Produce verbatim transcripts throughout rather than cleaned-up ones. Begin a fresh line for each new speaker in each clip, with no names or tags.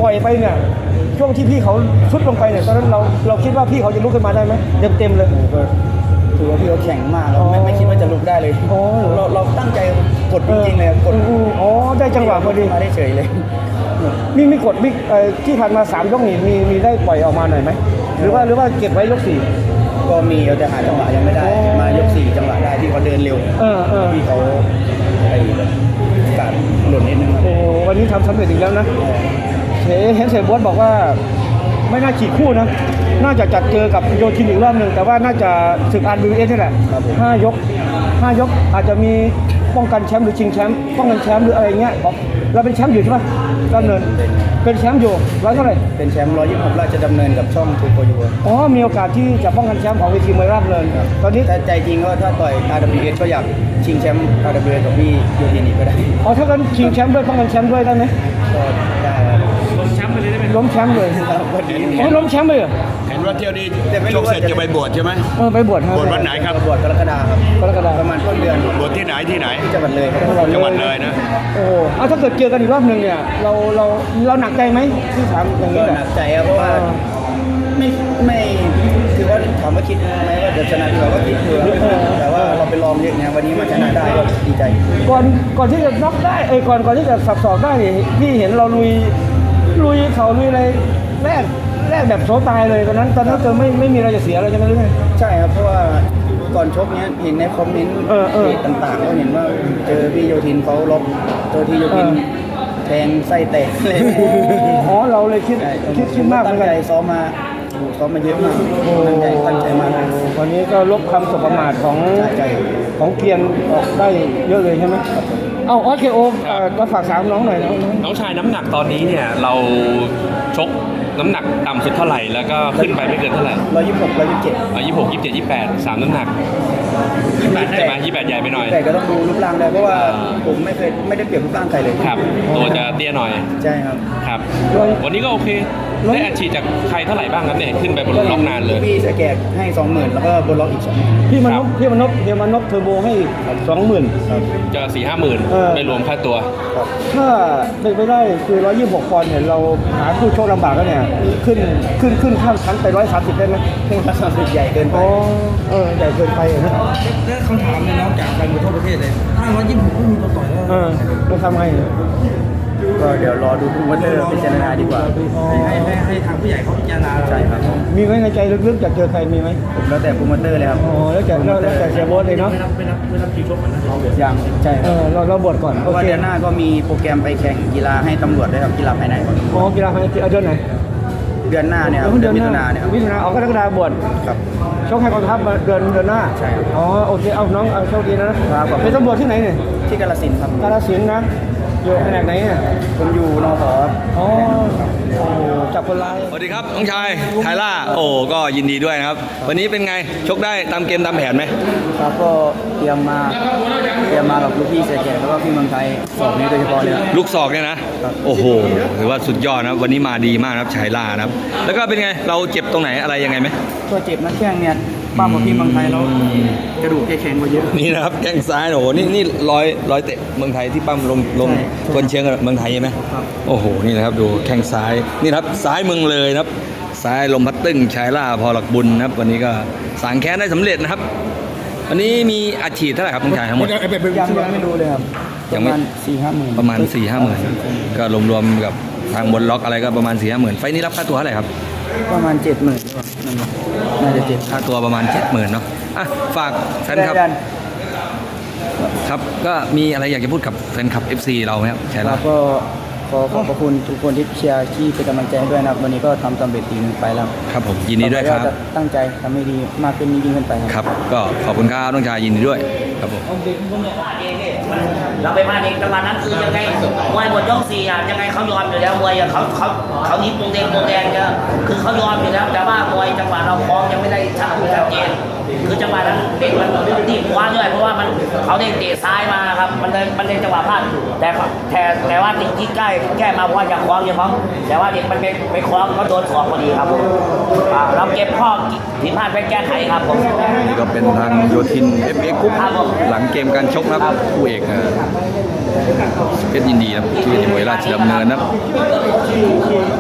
ปล่อยไปเนี่ยช่วงที่พี่เขาชุดลงไปเนี่ยตอนนั้นเราเราคิดว่าพี่เขาจะลุกขึ้นมาได้ไหมเต็มเต็มเลย
ถือว่าพี่เขาแข็งมากครับไม่ไม่คิดว่าจะลุกได้เลยเราเราตั้งใจกดจริงๆเลยกด
อ๋อได้จังหวะพอดี
มาได้เฉยเลย
มีมีกดบิ๊กที่ผ่านมาสามยกนี่มีมีได้ปล่อยออกมาหน่อยไหมหรือว่าหรือว่าเก็บไว้ยกสี่
ก็มีเราจะหาจังหวะยังไม่ได้มายกสี่จังหวะได้ที่เขาเดินเร็วที่เขาไอ้การหล่นนิดนึง
โอ้วันนี้ทำสำเร็จอีกแล้วนะเห็นเห็นเสบอสบอกว่าไม่น่าฉีกคู่นะน่าจะจัดเจอกับโยทินอีกรอบหนึ่งแต่ว่าน่าจะศึกอาร์บีเอสนี่แหละห้ายกห้ายกอาจจะมีป้องกันแชมป์หรือชิงแชมป์ป้องกันแชมป์หรืออะไรเงี้ยเราเป็นแชมป์อยู่ใช่ไหมดำเนินเป็นแชมป์อยู่ร้อยเท่าไหร่
เป็นแชมป์ร้อยยี่สิบหกราชดำเนินกับช่องทูโกยู
อ๋อมีโอกาสที่จะป้องกันแชมป์ของเวทีมวยราชดำเนินตอนนี้
แต่ใจจริงก็ถ้าต่อย อาร์ ดับเบิลยู เอส ก็อยากชิงแชมป์ อาร์ ดับเบิลยู เอส กับพี่โยทินอีกก็ได้
อ๋อถ้ากันชิงแชมป์ด้วยป้องกันแชมป์ด้วยได้ไหม
ก็ได้
ล้มแชมป์ไปเลยได้ไหมล้มแชมป์เลยอ๋อล้มแชมป์เลย
เห็นว่าเที่ยวนี้ชกเสร็จจะไปบวชใช่ไหม
เออไปบวชครับ
บวชวันไหนครับ
บวชกรกฎาคมครับ
กรกฎาคม
ประมาณต้นเดือน
บวชที่ไหนที่ไหน
จังหวัดเลย
จังหวัดเลยนะ
โอ้เอาถ้าเกิดเจอกันอีกรอบหนึ่งเนี่ยเราเราเราหนักใจไหมที่ถามอย่างนี้
หนักใจครับเพราะว่าไม่ไม่คือว่าถามว่าคิดไหมว่าจะชนะเราก็คิดอยู่แต่ว่าเราไปลองเยอะไงวันนี้มาชนะได้ก็ดีใจ
ก่อนก่อนที่จะน็อกได้เอ้ก่อนก่อนที่จะสับสอกได้พี่เห็นเราลุยลุยเขาลุยอะไรแรกแรกแบบโซตายเลยตอนนั้นตอนนั้นเจอไม่ไม่มีอะไรจะเสียเลยใช่ไหมหรือไง
ใช่ครับเพราะว่าก่อนชกเนี้ยเห็นในคอมเมนต์ต่างๆก็เห็นว่าเจอพี่โยทินเขาลบเจอที่โยทินแทงไส้แตกเลย
อ๋อเราเลยคิดคิดคิดมากเหมือนกัน
ซ้อมมาซ้อมมาเยอะมากตั้งใจตั้งใจมาก
วันนี้ก็ลบคำสบประมาทของของเกียงออกได้เยอะเลยใช่ไหมเอาโอเคโอก็ฝากสามน้องหน่อย
น้องชายน้ำหนักตอนนี้เนี่ยเราชกน้ำหนักต่ำสุดเท่าไหร่แล้วก็ขึ้นไปไม่เกินเท่าไหร่
ร้อยยี่สิบหกร้อยยี่สิบเจ็ด
ร้อยยี่สิบหกยี่สิบเจ็ดยี่สิบแปดสามน้ำหนักยี่สิบแปดใช่ไหมยี่สิบแปดใหญ่ไปหน่อย
แต่ก็ต้องดูรูปร่างได้เพราะว่าผมไม่เคยไม่ได้เปรียบรูปร่างใครเลย
ครับตัวจะเตี้ยหน่อย
ใช่ครับ
ครับวันนี้ก็โอเคได้อัดฉีดจากใครเท่าไหร่บ้างครับเนี่ยขึ้นไปบนล็อกนานเลย
พี่สแกกให้สองหมื่นแล้วก็บนล็อกอีกสอง
พี่มานพพี่มานพพี่มานพเทอร์โบให้สองหมื่น
จะสี่ห้าหมื่นไม่รวมค่าตัว
ถ้าเป็นไปได้คือร้อยยี่สิบหกปอนด์เนี่ยเราหาคู่โชคลำบากแล้วเนี่ยขึ้นขึ้นขึ้นข้ามชั้นไปร้อยสามสิบได้ไหม
ร้อยสามสิบใหญ่เกินไป
เออใหญ่เกินไปนะ
แล้วคำถามเนี่ยน้องจากไปทั่วประเทศเลยถ้าร้อยยี่สิบหกก็มีตัวต่อยแล้ว
เออเราทำไง
ก็เดี๋ยวรอดูผู้ว่าเตอร์พิจารณาดีกว่าให้ให้ให้ทางผู้ใหญ่เขาพิจารณาใช่ครับ
มีไหมในใจลึกๆอยากเจอใครมีไหม
ผมแล้วแต่ผู้ว่าเตอร์เลยครับ
อ๋อแล้วแต่แล้วแต่เสียโบ๊ทเลยเนาะ
ไม่รับไม่รับไม่รับทีชกเหมือนเรายังใช่
เออเราเราบวชก่อน
เพราะว่าเดือนหน้าก็มีโปรแกรมไปแข่งกีฬาให้ตำรวจด้วยครับกีฬาภายใน
อ๋อกีฬาภายในเดือนไหน
เดือนหน้าเนี่ยเดือนมิถุนาเนี่ย
มิถุนาออกกรกฎาคมบวช
ครับ
ชกให้กองทัพเดือนเดือนหน้า
ใช่ครับ
อ๋อโอเคเอาน้องเอาโชคดีนะครับเป็นตำรวจที่ไหนเนี่ย
ที่กาฬสินธุ์ครับ
กาฬสินธุ์นะอยู่แผนกไหนเนี่ย
ผมอยู่นอ ผอ
อ๋อจับคนร้าย
สวัสดีครับน้องชายไทล่าโอ้ก็ยินดีด้วยนะครับวันนี้เป็นไงชกได้ตามเกมตามแผนไหม
ครับก็เตรียมมาเตรียมมากับลูกพี่เสียแก่แล้วก็พี่เมืองไทยสองนี้โดยเฉพาะเลย
ลูกศอกเนี่ยนะโอ้โหถือว่าสุดยอดนะวันนี้มาดีมากครับไทล่านะครับแล้วก็เป็นไงเราเจ็บตรงไหนอะไรยังไงไหม
ตัวเจ็บนักแข้งเนี่ยป้าของพี่เมืองไทยแล้วกระดูกแข็งกว่าเยอะ
นี่นะครับแข้งซ้ายโอ้โหนี่นี่ร้อยร้อยเตะเมืองไทยที่ปั้มลงลงคนเชียงกับเมืองไทยใช่ไหมโอ้โหนี่นะครับดูแข้งซ้ายนี่ครับซ้ายเมืองเลยนะครับซ้ายลมพัดตึ้งชายล่าพอหลักบุญนะครับวันนี้ก็สางแค้นได้สำเร็จนะครับวันนี้มีอัดฉีดเท่าไหร่ครับน้องชายทั้งหมด
ยังยังไม่รู้เลยครับ
ยังไม่
สี่ห้าหมื่น
ประมาณสี่ห้าหมื่นก็รวมๆกับทางบนล็อกอะไรก็ประมาณสี่ห้าหมื่นไฟนี้รับค่าตัวเท่าไหร่ครับ
ประมาณเจ็ดหมื่นน่าจะเจ็ด
ค่าตัวประมาณเจ็ดหมื่นเนาะอ่ะฝากแฟนคลับครับก็มีอะไรอยากจะพูดกับแฟนคลับ เอฟ ซี เราไหมครับใช่แล้ว
ก็ขอขอบพระคุณทุกคนที่เชียร์ที่เป็นกำลังใจด้วยนะครับวันนี้ก็ทำสำเร็จดีไปแล้ว
ครับผมยินดีด้วยครับ
ตั้งใจทำให้ดีมากขึ้นยิ่งขึ้นไป
ครับก็ขอบคุณครับน้องชายยินดีด้วยครับผม
เราไปมาเองจังหวะนั้นคือยังไงมวยหมดยกสี่อ่ะยังไงเขายอมอยู่แล้วมวยเขาเขาเขานิดวงแดงวงแดงเนี่ยคือเขายอมอยู่แล้วแต่ว่ามวยจังหวะเราคล้องยังไม่ได้ชัดชัดเจนคือจังหวะนั้นเด็กมันตีบคว้าด้วยเพราะว่ามันเขาเด้งเตะซ้ายมาครับมันเลยมันเลยจังหวะพลาดแต่แต่แต่ว่าติดที่ใกล้แก้มาเพราะว่าจะคล้องยังคล้องแต่ว่าเด็กมันไปไปคล้องก็โดนสอกพอดีครับเราเก็บข้อผิดพลาดไปแก้ไขครับผม
นี่ก็เป็นทางโยทิน เอฟ เอ็กซ์ กรุ๊ปหลังเกมการชกนะครับคู่เอกเพชรยินดีนะที่มวยราชดำเนินนะ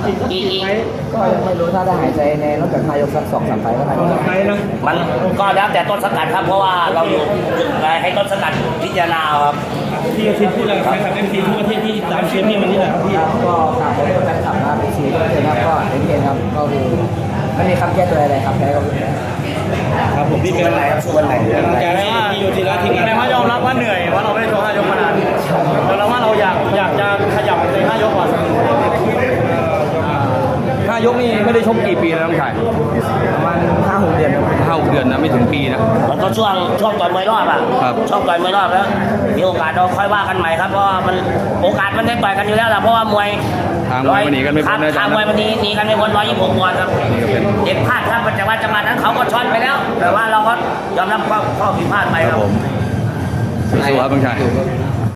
อีกอีก
ก็ยังไม่รู้ถ้าได้หายใจในนอกจากนายกสักสองสามไฟล์ก็น่าจะ
ใครนะ
มันก็แล้วแต่ต้นสังกัดครับ เพราะว่าเราอยู่ให้ต้นสังกัดพิจารณาเอาครับ
พี่อาทิตย์พูดอะไรครับเอ็มพีทั่วประเทศที่ตามเชียร์พี่วันนี้แหละครับพี่
ก็ฝากขอโทษแฟนคลับนะครับซีก็เลยครับก็เอ็นเครับก็คือไม่มีคำแก้ตัวอะไรครับแพ้ก็คือ
ครับผมพี่เป็นอะไรครับส่วนไหนแต่ว่าพี่โยธินและทีมงานแต่ว่ายอมรับว่าเหนื่อยเพราะเราไม่ได้ชกห้ายกมานานแต่เราว่าเราอยากอยากจะขยับในห้ายกก่อน
ห้ายกนี่ไม่ได้ชกกี่ปีแล้วน้องชาย
ประมาณห้าหกเดือนครับ
ห้าหกเดือนนะไม่ถึงปีนะ
มันก็ช่วงช่วงต่อยมวยรอบอ่ะ
ครับ
ช่วงต่อยมวยรอบแล้วมีโอกาสเราค่อยว่ากันใหม่ครับเพราะว่ามันโอกาสมันได้ต่อยกันอยู่แล้วล่ะเพราะว่ามวย
ทางมวยมันหนีกันไม่พ้นนะ
ทางมวยมันหนีหนีกันไม่พ้นร้อยยี่สิบหกปอนด์ครับเด็กพลาดครับแต่ว่าจังหวะนั้นเขาก็ช็อตไปแล้ว แต่ว่าเราก็ยอมรับข้อข้อผิดพลาดไป
ค
ค
รั
รั
บบ ผมสู้ๆครับน้องชาย